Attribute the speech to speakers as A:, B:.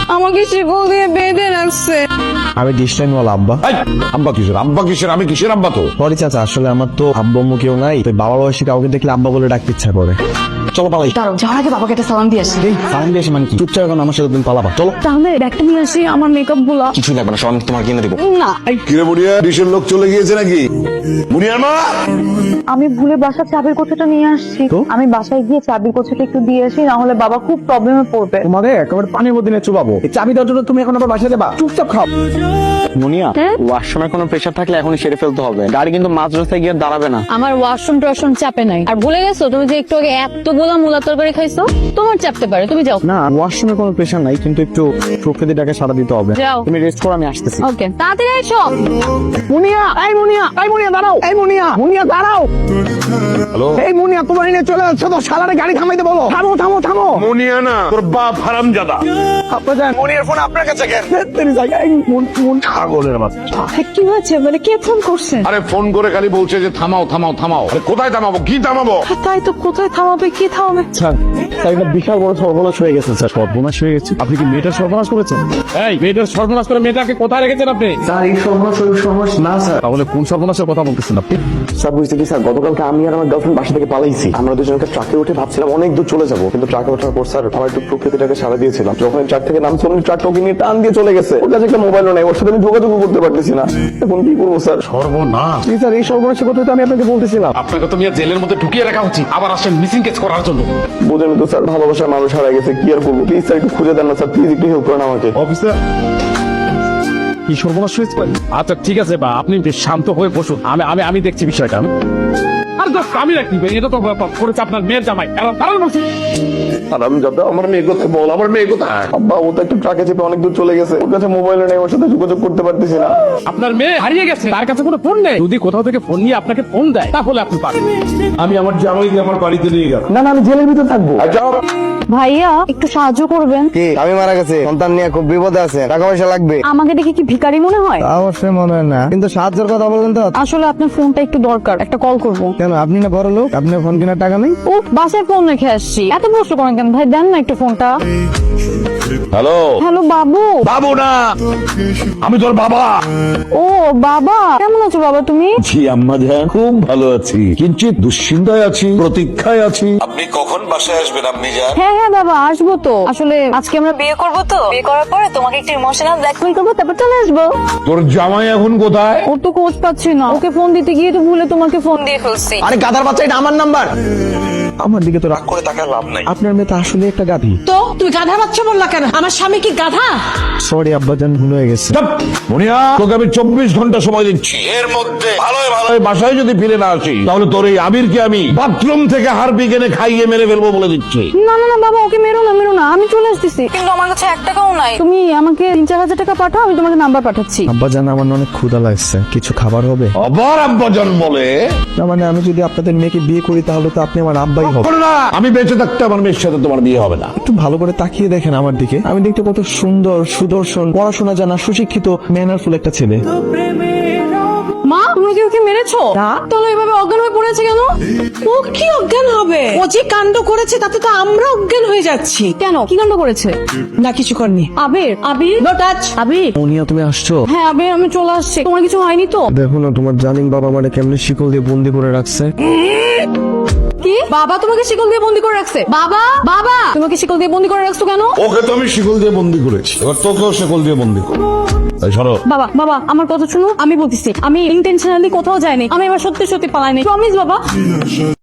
A: আমাকে শিকল দিয়ে বেঁধে রাখছে।
B: আমি ডিস্টাইনওয়ালা আব্বা।
C: আব্বা কিসের আমি কিসের আব্বা তো?
B: সরি চাচা, আসলে আমার তো আব্বা আম্মু কেউ নাই, তো বাবা বয়সী কাউকে দেখলে আব্বা বলে ডাকতে ইচ্ছা করে। চলো পালাই।
A: দাঁড়াও, যাওয়ার আগে বাবাকে একটা সালাম দিয়ে আসি।
B: সালাম দিয়ে আসি মানে কি? চুপচাপ এখন আমার সাথে তুমি পালাবা। চলো।
A: তাহলে ব্যাগটা নিয়ে আসি, আমার মেকআপ গুলা।
B: কিছুই লাগবে না, সব আমি তোমার কিনে দেবো।
A: না,
C: কিরে বুড়িয়া, ডিশের লোক চলে গিয়েছে নাকি? বুড়িয়ার মা,
A: আমি ভুলে বাসার চাবির কোথাটা নিয়ে আসছি।
B: তো?
A: আমি বাসায় গিয়ে চাবির কোথাটা একটু দিয়ে আসি, না হলে বাবা খুব প্রবলেমে পড়বে।
B: তোমারে একেবারে পানির মধ্যে নিয়ে চুবাবো। এই চাবি দেওয়ার জন্য তুমি এখন আবার বাসায় দেবা? চুপচাপ খাও। মুনিয়া, ওয়াশরুমে কোনো প্রেশার থাকলে এখনই সেরে ফেলতে হবে। গাড়ি কিন্তু মাঝ রাস্তায় গিয়ে দাঁড়াবে না।
A: আমার ওয়াশরুম টোয়াশরুম চাপে নাই। আর ভুলে গেছো তুমি যে একটু আগে এতগুলা মূলা তরকারি খাইছো, তোমার চাপতে পারে, তুমি যাও।
B: না, ওয়াশরুমে কোনো প্রেশার নাই, কিন্তু একটু প্রকৃতিটাকে সাড়া দিতে হবে।
A: যাও।
B: তুমি রেস্ট করো, আমি আসতেছি।
A: ওকে, তাড়াতাড়ি এসো।
B: মুনিয়া, এই মুনিয়া, এই মুনিয়া দাঁড়াও। এই মুনিয়া, মুনিয়া দাঁড়াও।
C: হ্যালো।
B: এই মুনিয়া, তোমার নিয়ে চলে যাচ্ছে তো, শালারে গাড়ি থামাইতে বলো। থামো থামো থামো।
C: মুনিয়া না, তোর বাপ হারামজাদা।
B: আপনার যান, মুনিয়ার ফোন আপনার কাছে কেন? তেরি জায়গায়
C: ছাগলের বাচ্চা।
A: কি হয়েছে? মানে কে ফোন করছে?
C: আরে ফোন করে খালি বলছে যে থামাও থামাও থামাও। আরে কোথায় থামাবো, কি থামাবো?
A: তাই তো, কোথায় থামাবে, কি থামাবে?
B: স্যার, একটা বিশাল বড় সর্বনাশ হয়ে গেছে স্যার। সর্বনাশ হয়ে গেছে? আপনি কি মেয়েটার সর্বনাশ করেছেন?
D: এই মেয়েটার সর্বনাশ করে মেয়েটাকে কোথায় রেখেছেন আপনি?
B: স্যার, এই সর্বনাশ ওই সর্বনাশ না স্যার।
D: তাহলে কোন সর্বনাশের কথা বলতেছেন আপনি?
B: স্যার বুঝতে কি স্যার, গতকালকে আমি আর আমার গার্লফ্রেন্ড বাসা থেকে পালাইছি। আমরা দুজনকে ট্রাকে উঠে ভাবছিলাম অনেক দূর চলে যাবো, কিন্তু ট্রাকে ওঠার পর স্যার আমার একটু প্রকৃতিটাকে সাড়া দিয়েছিলাম। যখন ট্রাক থেকে নামছি, ট্রাকটা ওকে নিয়ে টান দিয়ে চলে গেছে। ওর কাছে একটা মোবাইলও নাই, ওর সাথে আমি যোগাযোগ করতে পারতেছি না। এখন কি করবো স্যার?
D: সর্বনাশ।
B: জি স্যার, এই সর্বনাশের কথা তো আমি আপনাকে বলতেছিলাম।
D: আপনাকে তো মিয়া জেলের মধ্যে ঢুকিয়ে রাখা উচিত, আবার আসেন মিসিং কেস করার জন্য।
B: বোঝেন তো স্যার, ভালোবাসার মানুষ হারা গেছে, কি আর করবো? প্লিজ স্যার একটু খুঁজে দেন না স্যার, প্লিজ একটু হেল্প করেন আমাকে।
D: অফিসার, কি সর্বনাশ হয়েছে? আচ্ছা ঠিক আছে বা আপনি বেশ শান্ত হয়ে বসুন, আমি আমি আমি দেখছি বিষয়টা। আর দোস্ত, আমি রাখি, এটা তো করেছে আপনার মেয়ের জামাই। কারণ বলছি
C: হারামজাদা, আমার মেয়ে কোথায় বল, আমার মেয়ে কোথায়?
B: আব্বা, ও তো একটু ট্রাকে চেপে অনেক দূর চলে গেছে, ওর কাছে মোবাইল নেই, ওর সাথে যোগাযোগ করতে পারতেছি না।
D: আপনার মেয়ে হারিয়ে গেছে, তার কাছে কোনো ফোন নেই। যদি কোথাও থেকে ফোন নিয়ে আপনাকে ফোন দেয়, তাহলে আপনি পারেন।
C: আমি আমার জামাইকে আমার বাড়িতে নিয়ে গেলাম।
B: না না, আমি জেলের ভিতর থাকবো।
A: ভাইয়া, একটু সাহায্য করবেন।
B: কি, আমি মারা গেছে, সন্তান নিয়ে খুব বিপদে আছে, টাকা পয়সা লাগবে?
A: আমাকে দেখে কি ভিখারি মনে হয়?
B: অবশ্যই মনে হয় না, কিন্তু সাহায্যের কথা বলেন তো।
A: আসলে আপনার ফোনটা একটু দরকার, একটা কল করব।
B: কেন, আপনি না বড় লোক, আপনার ফোন কেনার টাকা নেই?
A: ও, বাসায় ফোন রেখে আসছি, এত প্রশ্ন করেন কেন ভাই? দেন না একটু ফোনটা।
C: হ্যালো।
A: হ্যালো বাবু।
C: বাবু না, আমি তোর বাবা।
A: ও বাবা, কেমন আছো বাবা তুমি?
C: জি আম্মা জান, খুব ভালো আছি, কিঞ্চিত দুশ্চিন্তায় আছি, প্রতীক্ষায় আছি। আপনি কখন বাসায় আসবেন আম্মি জান?
A: হ্যাঁ হ্যাঁ বাবা, আসবো তো। আসলে আজকে আমরা বিয়ে করবো তো, বিয়ে করার পরে তোমাকে একটু ইমোশনাল ব্ল্যাকমেল করবো, তারপর চলে আসবো।
C: তোর জামাই এখন কোথায়?
A: ওর তো খোঁজ পাচ্ছি না, ওকে ফোন দিতে গিয়ে তো ভুলে তোমাকে ফোন দিয়ে ফেলছি।
B: আরে গাধার বাচ্চা, এটা আমার নাম্বার। আমার দিকে তো রাগ করে টাকার লাভ নাই, আপনার মেয়ে তো আসলে একটা গাধি।
E: তো তুমি গাধা বাচ্চা বললা কেন? আমার স্বামী কি গাধা?
B: সরি আব্বাজান, ভুল হয়ে গেছে।
C: চুপ! মুনিয়া, তোকে আমি 24 ঘন্টা সময় দিচ্ছি, এর মধ্যে ভালোই ভালোই বাসায় যদি ফিরে না আসি, তাহলে তোর এই আবিরকে আমি বাথরুম থেকে হারপিক এনে খাইয়ে মেরে ফেলবো বলে দিচ্ছি।
A: না না না বাবা, ওকে মেরো না, মেরো না, আমি চলে আসতেছি। কিন্তু আমার কাছে 1 টাকাও নাই। তুমি আমাকে 3-4 হাজার টাকা পাঠাও, আমি তোমাকে নাম্বার পাঠাচ্ছি।
B: আব্বাজান, আমার না অনেক ক্ষুধা লাগছে, কিছু খাবার হবে?
C: আবার আব্বাজান বলে?
B: না মানে, আমি যদি আপনাদের মেয়েকে বিয়ে করি, তাহলে তো আপনি আমার আব্বাই হবে।
C: বলো না, আমি বেঁচে থাকতে আমার মেয়ের সাথে তোমার বিয়ে হবে না।
B: একটু ভালো করে তাকিয়ে দেখেন আমার দিকে, আমি দেখতে কত সুন্দর, সুদর্শন, পড়াশোনা জানা, সুশিক্ষিত, ম্যানারফুল একটা ছেলে।
A: মা, তুমি কি ওকে মেরেছো? তাহলে এভাবে অজ্ঞান হয়ে পড়েছে কেন?
E: ও কি অজ্ঞান হবে? ও যে কাণ্ড করেছে তাতে তো আমরা অজ্ঞান হয়ে যাচ্ছি।
A: কেন, কি কাণ্ড করেছে?
E: না কিছু করনি।
A: আবির, আবির,
E: নো টাচ।
A: আবির।
B: মুনিয়া, তুমি আসছো?
A: হ্যাঁ আবির, আমি চলে আসছি। তোমার কিছু হয়নি তো?
B: দেখো না, তোমার জানিন বাবা মানে কেমনে শিকল দিয়ে বন্দি করে রাখছে।
A: কি, বাবা তোমাকে শিকল দিয়ে বন্দি করে রাখছে? বাবা, বাবা তোমাকে শিকল দিয়ে বন্দি করে রাখছো কেন?
C: ওকে তো আমি শিকল দিয়ে বন্দি করেছি, এবার তোকেও শিকল দিয়ে বন্দি করবো। তাই সরো।
A: বাবা, বাবা আমার কথা শুনো, আমি বলতেছি আমি ইন্টেনশনালি কোথাও যাইনি, আমি এবার সত্যি সত্যি পালাইনি, প্রমিস বাবা।